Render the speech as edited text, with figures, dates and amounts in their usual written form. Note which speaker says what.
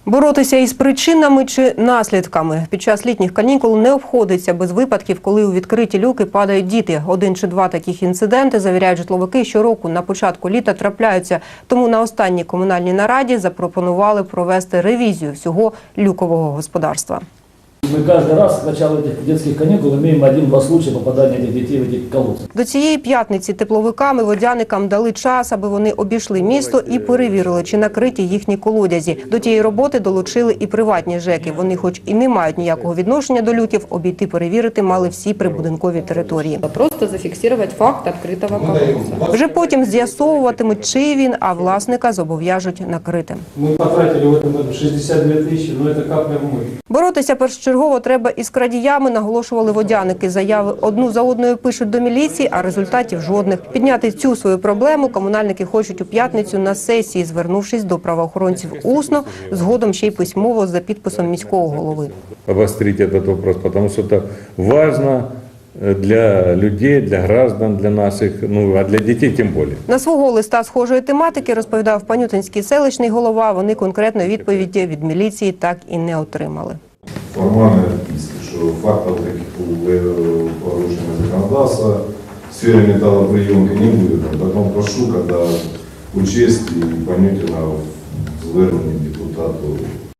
Speaker 1: Боротися із причинами чи наслідками. Під час літніх канікул не обходиться без випадків, коли у відкриті люки падають діти. 1 чи 2 таких інциденти, завіряють житловики, щороку на початку літа трапляються. Тому на останній комунальній нараді запропонували провести ревізію всього люкового господарства.
Speaker 2: Мы каждый раз с начала этих детских каникул имеем 1-2 случая попадания этих детей в эти колодцы.
Speaker 1: До цієї п'ятниці тепловикам і водяникам дали час, аби вони обійшли місто і перевірили, чи накриті їхні колодязі. До тієї роботи долучили і приватні ЖЕКи. Вони, хоч і не мають ніякого відношення до люків, обійти перевірити мали всі прибудинкові території.
Speaker 3: Просто зафіксувати факт відкритого колодця.
Speaker 1: Вже потім з'ясовуватимуть, чий він, а власника зобов'яжуть накрити.
Speaker 4: Ми потратили в цьому році 62 тисячі, але це капля в море.
Speaker 1: Боротися першочергово треба із крадіями, наголошували водяники. Заяви одну за одною пишуть до міліції, а результатів жодних. Підняти цю свою проблему комунальники хочуть у п'ятницю на сесії, звернувшись до правоохоронців усно, згодом ще й письмово за підписом міського голови.
Speaker 5: Обострить этот вопрос, потому что это важно для людей, для граждан, для наших, а для детей тем более.
Speaker 1: На свого листа схожої тематики, розповідав Панютинський селищний голова, вони конкретної відповіді від міліції так і не отримали.
Speaker 6: Формальные отписки, что фактов таких порушений законодательства в сфере металлоприемки не будет. Потом прошу, когда учесть и Панютина в зверненні депутату